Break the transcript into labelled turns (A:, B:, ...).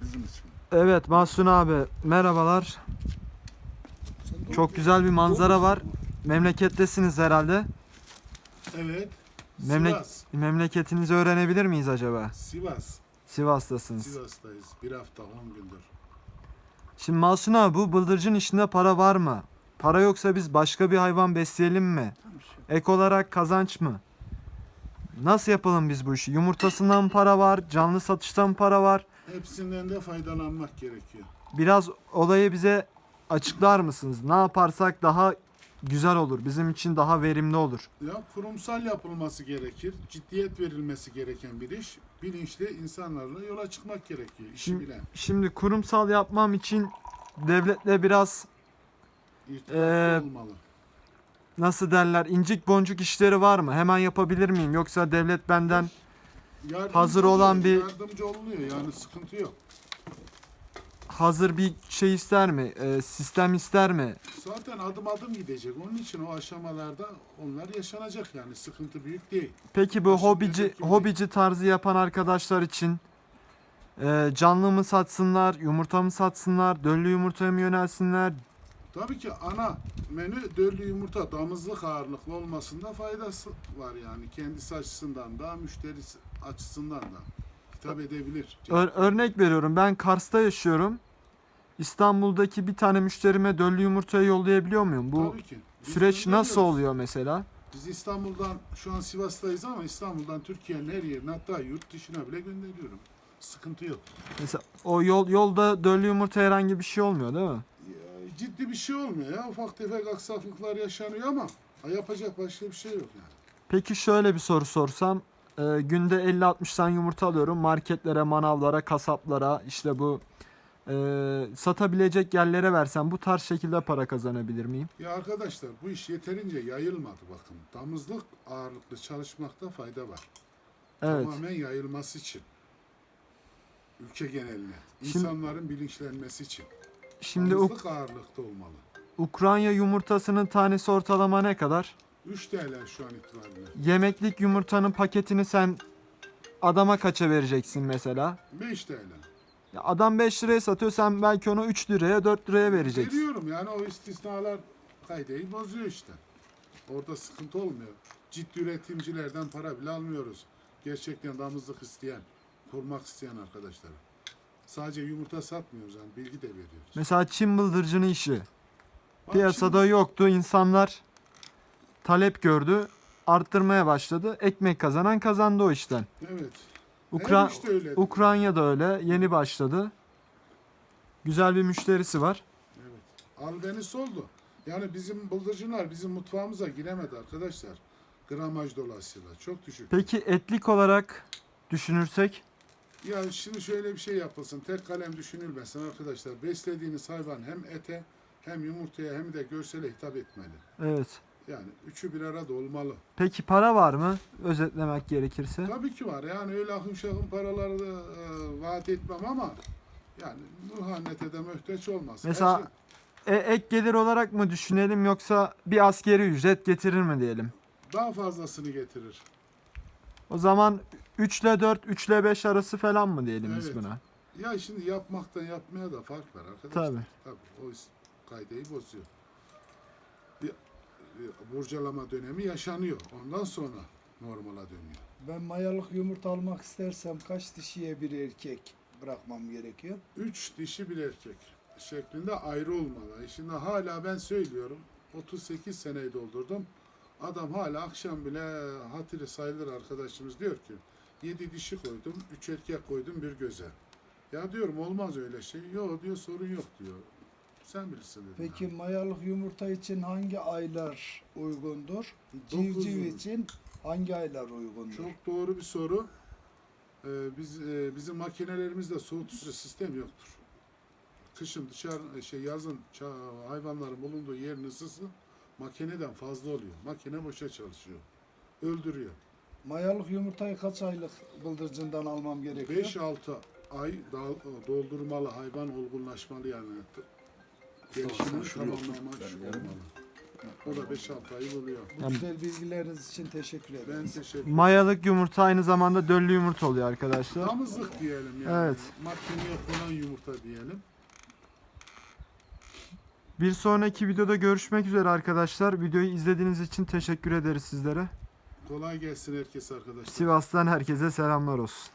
A: bizim için.
B: Evet Mahsun abi merhabalar. Çok güzel bir manzara var. Memlekettesiniz herhalde.
A: Evet.
B: Memlek
A: Sivas.
B: Memleketinizi öğrenebilir miyiz acaba?
A: Sivas.
B: Sivas'tasınız.
A: Sivas'tayız. Bir hafta 10 gündür.
B: Şimdi Mahsun abi bu bıldırcın işinde para var mı? Para yoksa biz başka bir hayvan besleyelim mi? Ek olarak kazanç mı? Nasıl yapalım biz bu işi? Yumurtasından mı para var? Canlı satıştan mı para var?
A: Hepsinden de faydalanmak gerekiyor.
B: Biraz olayı bize açıklar mısınız? Ne yaparsak daha güzel olur? Bizim için daha verimli olur.
A: Ya kurumsal yapılması gerekir. Ciddiyet verilmesi gereken bir iş. Bilinçli insanlarla yola çıkmak gerekiyor. İşi bilen.
B: Şimdi kurumsal yapmam için devletle biraz
A: İrtibatlı olmalı.
B: nasıl derler incik boncuk işleri var mı? Hemen yapabilir miyim? Yoksa devlet benden
A: Yardımcı
B: hazır olan
A: oluyor,
B: bir-
A: yardımcı olunuyor yani sıkıntı yok.
B: hazır bir şey ister mi? Sistem ister mi?
A: Zaten adım adım gidecek. Onun için o aşamalarda onlar yaşanacak yani sıkıntı büyük değil.
B: Peki bu
A: Aşırı
B: hobici
A: derecede gibi
B: hobici tarzı yapan arkadaşlar için canlı mı satsınlar, yumurta mı satsınlar, döllü yumurtaya mı yönelsinler?
A: Tabii ki ana menü döllü yumurta damızlık ağırlıklı olmasında faydası var yani. Kendisi açısından da müşterisi açısından da hitap edebilir.
B: Örnek veriyorum, ben Kars'ta yaşıyorum. İstanbul'daki bir tane müşterime döllü yumurtayı yollayabiliyor muyum? Bu
A: Tabii ki. Biz
B: süreç nasıl
A: gönderiyoruz.
B: oluyor mesela?
A: Biz İstanbul'dan şu an Sivas'tayız ama İstanbul'dan Türkiye'nin her yerine hatta yurt dışına bile gönderiyorum. Sıkıntı yok.
B: Mesela o yolda döllü yumurta herhangi bir şey olmuyor değil mi?
A: Ya, ciddi bir şey olmuyor ya. Ufak tefek aksaklıklar yaşanıyor ama yapacak başka bir şey yok yani.
B: Peki şöyle bir soru sorsam. Günde 50-60 tane yumurta alıyorum. Marketlere, manavlara, kasaplara, işte bu satabilecek yerlere versem bu tarz şekilde para kazanabilir miyim?
A: Ya arkadaşlar bu iş yeterince yayılmadı bakın. Damızlık ağırlıklı çalışmakta fayda var.
B: Evet.
A: Tamamen yayılması için. Ülke geneline.
B: Şimdi-
A: İnsanların bilinçlenmesi için.
B: Şimdi
A: Damızlık ağırlıkta olmalı.
B: Ukrayna yumurtasının tanesi ortalama ne kadar?
A: 3 TL şu an itibariyle.
B: Yemeklik yumurtanın paketini sen adama kaça vereceksin mesela?
A: 5 TL.
B: Ya adam 5 liraya satıyor, sen belki onu 3 liraya 4 liraya vereceksin.
A: Veriyorum yani o istisnalar kaydeyi bozuyor işte. Orada sıkıntı olmuyor. Ciddi üretimcilerden para bile almıyoruz. Gerçekten damızlık isteyen, kurmak isteyen arkadaşlara. Sadece yumurta satmıyoruz yani bilgi de veriyoruz.
B: Mesela Çin bıldırcını işi.
A: Bak
B: Piyasada yoktu. İnsanlar talep gördü. Arttırmaya başladı. Ekmek kazanan kazandı o işten.
A: şimdi- evet.
B: Ukra
A: Her işte öyle.
B: Ukrayna da öyle. Yeni başladı. Güzel bir müşterisi var.
A: Evet. Albenisi oldu. Yani bizim bıldırcınlar bizim mutfağımıza giremedi arkadaşlar. Gramaj dolayısıyla çok düşük.
B: Peki etlik olarak düşünürsek?
A: Ya şimdi şöyle bir şey yapılsın. Tek kalem düşünülmesin arkadaşlar. Beslediğiniz hayvan hem ete hem yumurtaya hem de görsele hitap etmeli.
B: Evet.
A: Yani üçü bir arada olmalı.
B: Peki para var mı? Özetlemek gerekirse.
A: Tabii ki var. Yani öyle ahım şahım paraları da vaat etmem ama yani muhannete de mühtaç olmaz. Her
B: Mesela ek gelir olarak mı düşünelim, yoksa bir askeri ücret getirir mi diyelim?
A: daha fazlasını getirir.
B: O zaman 3 ile 4, 3 ile 5 arası falan mı diyelim biz
A: Evet.
B: buna?
A: Ya şimdi yapmaktan yapmaya da fark var arkadaşlar.
B: Tabii.
A: Tabii. O kaydeyi bozuyor. Bir burcalama dönemi yaşanıyor. Ondan sonra normala dönüyor.
C: Ben mayalık yumurta almak istersem kaç dişiye bir erkek bırakmam gerekiyor?
A: 3 dişi bir erkek şeklinde ayrı olmalı. Şimdi hala ben söylüyorum 38 seneyi doldurdum. Adam hala akşam bile hatırı sayılır arkadaşımız diyor ki 7 dişi koydum, 3 erkek koydum bir göze. Ya diyorum olmaz öyle şey. Yok diyor, sorun yok diyor. Sen bilirsin dedim.
C: Peki
A: yani.
C: mayalık yumurta için hangi aylar uygundur?
A: Dokuz
C: Civciv
A: yıl.
C: için hangi aylar uygundur?
A: Çok doğru bir soru. Bizim makinelerimizde soğutucu sistem yoktur. Kışın dışarı yazın hayvanların bulunduğu yerin ısısı makineden fazla oluyor. Makine boşa çalışıyor. Öldürüyor.
C: Mayalık yumurtayı kaç aylık bıldırcından almam gerekiyor?
A: 5-6 ay doldurmalı, hayvan olgunlaşmalı yani. Gelişimini tamamlamak olmalı. O da 5-6 ay buluyor.
C: Bu güzel bilgileriniz için teşekkür ederim.
A: Ben teşekkür ederim.
B: Mayalık yumurta aynı zamanda döllü yumurta oluyor arkadaşlar.
A: Damızlık diyelim yani.
B: Evet.
A: Makineye konan yumurta diyelim.
B: Bir sonraki videoda görüşmek üzere arkadaşlar. Videoyu izlediğiniz için teşekkür ederiz sizlere.
A: Kolay gelsin herkese arkadaşlar.
B: Sivas'tan herkese selamlar olsun.